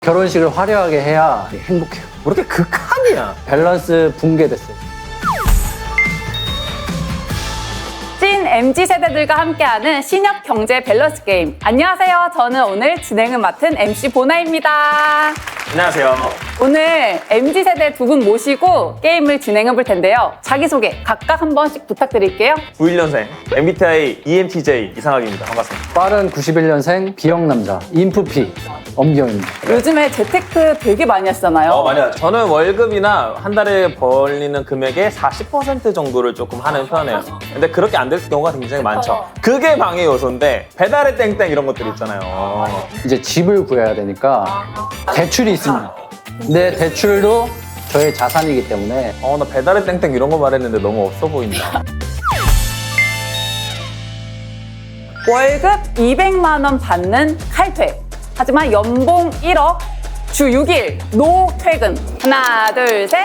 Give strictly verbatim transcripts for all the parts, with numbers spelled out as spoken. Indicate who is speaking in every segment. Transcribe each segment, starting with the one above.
Speaker 1: 결혼식을 화려하게 해야 행복해요.
Speaker 2: 뭐 이렇게 극한이야.
Speaker 1: 밸런스 붕괴됐어요.
Speaker 3: 찐 엠지 세대들과 함께하는 신협 경제 밸런스 게임. 안녕하세요. 저는 오늘 진행을 맡은 엠씨 보나입니다.
Speaker 2: 안녕하세요.
Speaker 3: 오늘 엠지 세대 두 분 모시고 게임을 진행해 볼 텐데요. 자기소개 각각 한 번씩 부탁드릴게요.
Speaker 2: 구십일 년생 엠비티아이 이엠티제이 이상학입니다. 반갑습니다.
Speaker 1: 빠른 구십일 년생 B형 남자 인프피 엄기영입니다.
Speaker 3: 요즘에 재테크 되게 많이 하시잖아요.
Speaker 2: 어, 많이 하죠. 저는 월급이나 한 달에 벌리는 금액의 사십 퍼센트 정도를 조금 하는 편이에요. 근데 그렇게 안 될 경우가 굉장히 많죠. 그게 방해 요소인데 배달의 땡땡 이런 것들 있잖아요.
Speaker 1: 이제 집을 구해야 되니까 대출이 있습니다. 근데 대출도 저의 자산이기 때문에
Speaker 2: 어, 나 배달의 땡땡 이런 거 말했는데 너무 없어 보인다.
Speaker 3: 월급 이백만 원 받는 칼퇴. 하지만 연봉 일억, 주 육 일, 노퇴근. 하나, 둘, 셋.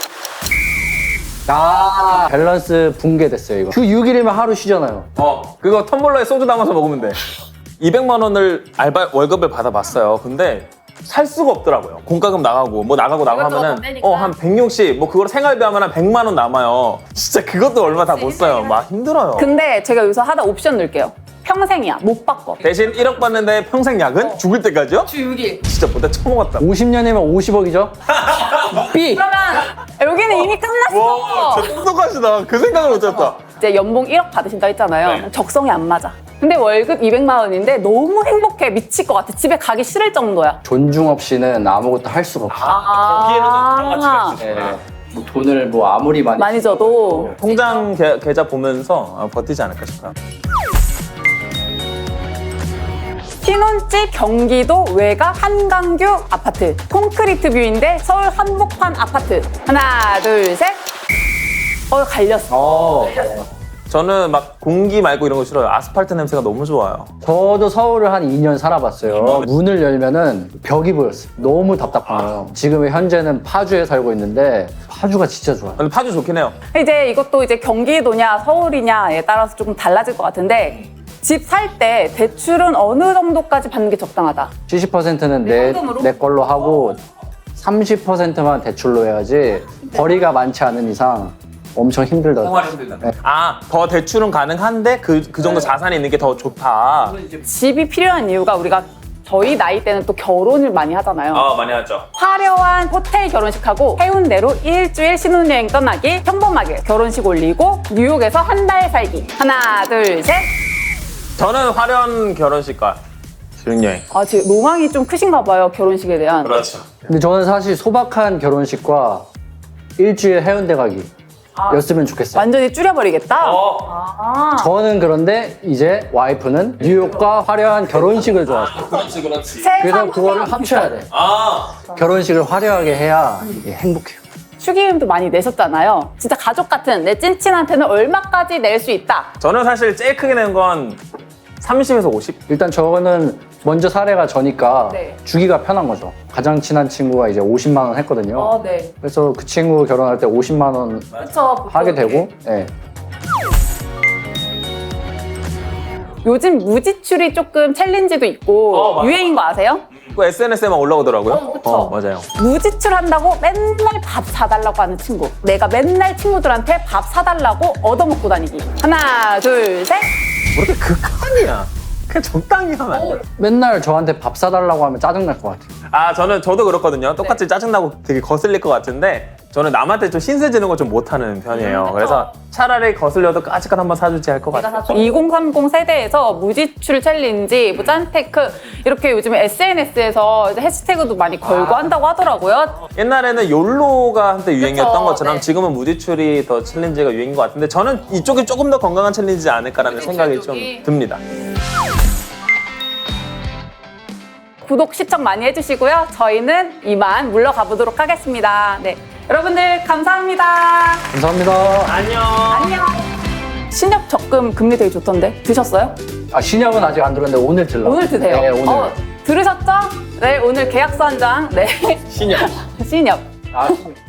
Speaker 1: 아 밸런스 붕괴됐어요 이거. 주 육 일이면 하루 쉬잖아요.
Speaker 2: 어, 그거 텀블러에 소주 담아서 먹으면 돼. 이백만 원을 알바 월급을 받아봤어요. 근데 살 수가 없더라고요. 공과금 나가고 뭐 나가고 나가고
Speaker 3: 이것저것
Speaker 2: 하면은
Speaker 3: 다 떼니까.
Speaker 2: 어, 한 백육십 뭐 그걸 생활비 하면 한 백만 원 남아요. 진짜 그것도 얼마 다 못 써요. 막 힘들어요.
Speaker 3: 근데 제가 여기서 하나 옵션 넣을게요. 평생이야. 못 바꿔.
Speaker 2: 대신 일억 받는데 평생 야근? 죽을 때까지요?
Speaker 3: 주 육 일.
Speaker 2: 진짜 보다 처먹었다.
Speaker 1: 오십 년이면 오십억이죠? B!
Speaker 3: 그러면 여기는 이미 끝났어.
Speaker 2: 진짜 똑똑하시다. 그 생각을 못했다.
Speaker 3: 이제 연봉 일억 받으신다 했잖아요.
Speaker 2: 네.
Speaker 3: 적성이 안 맞아. 근데 월급 이백만 원인데 너무 행복해. 미칠 것 같아. 집에 가기 싫을 정도야.
Speaker 1: 존중 없이는 아무것도 할 수가 없어요.
Speaker 3: 아,
Speaker 1: 네. 뭐 돈을 뭐 아무리 많이
Speaker 3: 많이 줘도.
Speaker 2: 통장 계, 계좌 보면서 아, 버티지 않을까 싶어요.
Speaker 3: 신혼집 경기도 외곽 한강뷰 아파트. 콘크리트 뷰인데 서울 한복판 아파트. 하나, 둘, 셋. 어, 갈렸어.
Speaker 1: 어,
Speaker 2: 저는 막 공기 말고 이런 거 싫어요. 아스팔트 냄새가 너무 좋아요.
Speaker 1: 저도 서울을 한 이 년 살아봤어요. 문을 열면은 벽이 보였어요. 너무 답답한 거예요. 지금 현재는 파주에 살고 있는데 파주가 진짜 좋아요.
Speaker 2: 근데 파주 좋긴 해요.
Speaker 3: 이제 이것도 이제 경기도냐 서울이냐에 따라서 조금 달라질 것 같은데 집 살 때 대출은 어느 정도까지 받는 게 적당하다?
Speaker 1: 칠십 퍼센트는 내,
Speaker 3: 현금으로?
Speaker 1: 내 걸로 하고 삼십 퍼센트만 대출로 해야지 벌이가 많지 않은 이상 엄청 힘들더라고요.
Speaker 2: 아, 더 대출은 가능한데 그, 그 정도 자산이 있는 게 더 좋다.
Speaker 3: 집이 필요한 이유가 우리가 저희 나이 때는 또 결혼을 많이 하잖아요.
Speaker 2: 아, 많이 하죠.
Speaker 3: 화려한 호텔 결혼식하고 해운대로 일주일 신혼여행 떠나기, 평범하게 결혼식 올리고 뉴욕에서 한 달 살기. 하나, 둘, 셋.
Speaker 2: 저는 화려한 결혼식과 수영여행.
Speaker 3: 아, 지금 로망이 좀 크신가 봐요, 결혼식에 대한.
Speaker 2: 그렇죠.
Speaker 1: 근데 저는 사실 소박한 결혼식과 일주일 해운대 가기 였으면 좋겠어요.
Speaker 3: 완전히 줄여버리겠다?
Speaker 2: 어.
Speaker 3: 아.
Speaker 1: 저는 그런데 이제 와이프는 뉴욕과 화려한 결혼식을 좋아해요.
Speaker 2: 그렇지, 그렇지.
Speaker 1: 그래서 그거를 합쳐야 돼.
Speaker 2: 아,
Speaker 1: 결혼식을 화려하게 해야 이게 행복해요.
Speaker 3: 축의금도 많이 내셨잖아요. 진짜 가족 같은 내 찐친한테는 얼마까지 낼 수 있다?
Speaker 2: 저는 사실 제일 크게 낸 건 삼십에서 오십?
Speaker 1: 일단 저거는 먼저 사례가 저니까
Speaker 3: 네.
Speaker 1: 주기가 편한 거죠. 가장 친한 친구가 이제 오십만 원 했거든요.
Speaker 3: 어, 네.
Speaker 1: 그래서 그 친구 결혼할 때 오십만 원
Speaker 3: 그쵸.
Speaker 1: 하게 되고, 예.
Speaker 3: 요즘 무지출이 조금 챌린지도 있고
Speaker 2: 어, 맞아.
Speaker 3: 유행인 거 아세요?
Speaker 2: 그 에스엔에스에만 올라오더라고요.
Speaker 3: 어, 그쵸.
Speaker 2: 맞아요.
Speaker 3: 무지출 한다고 맨날 밥 사달라고 하는 친구. 내가 맨날 친구들한테 밥 사달라고 얻어먹고 다니기. 하나, 둘, 셋.
Speaker 2: 뭐 이렇게 극한이야. 그냥 적당히 하면 안 돼.
Speaker 1: 맨날 저한테 밥 사달라고 하면 짜증날 것 같아요.
Speaker 2: 아, 저는 저도 그렇거든요. 똑같이 짜증나고 되게 거슬릴 것 같은데 저는 남한테 좀 신세 지는 거 좀 못하는 편이에요.
Speaker 3: 그쵸.
Speaker 2: 그래서 차라리 거슬려도 까짓것 한번 사주지 할 것 같아요.
Speaker 3: 이공삼공 세대에서 무지출 챌린지, 뭐 짠테크 이렇게 요즘에 에스엔에스에서 해시태그도 많이 걸고 한다고 하더라고요.
Speaker 2: 옛날에는 욜로가 한때 유행이었던
Speaker 3: 그쵸,
Speaker 2: 것처럼
Speaker 3: 네.
Speaker 2: 지금은 무지출이 더 챌린지가 유행인 것 같은데 저는 이쪽이 조금 더 건강한 챌린지지 않을까라는 생각이 좀
Speaker 3: 쪽이.
Speaker 2: 듭니다.
Speaker 3: 구독, 시청 많이 해주시고요. 저희는 이만 물러가 보도록 하겠습니다. 네, 여러분들 감사합니다.
Speaker 1: 감사합니다.
Speaker 2: 안녕.
Speaker 3: 안녕. 신협 적금 금리 되게 좋던데 드셨어요?
Speaker 1: 아, 신약은 아직 안 들었는데 오늘 들러.
Speaker 3: 오늘 드세요.
Speaker 1: 네, 오늘.
Speaker 3: 어, 들으셨죠? 네, 오늘 계약서 한 장. 네,
Speaker 2: 신영.
Speaker 3: 신협.
Speaker 1: 아,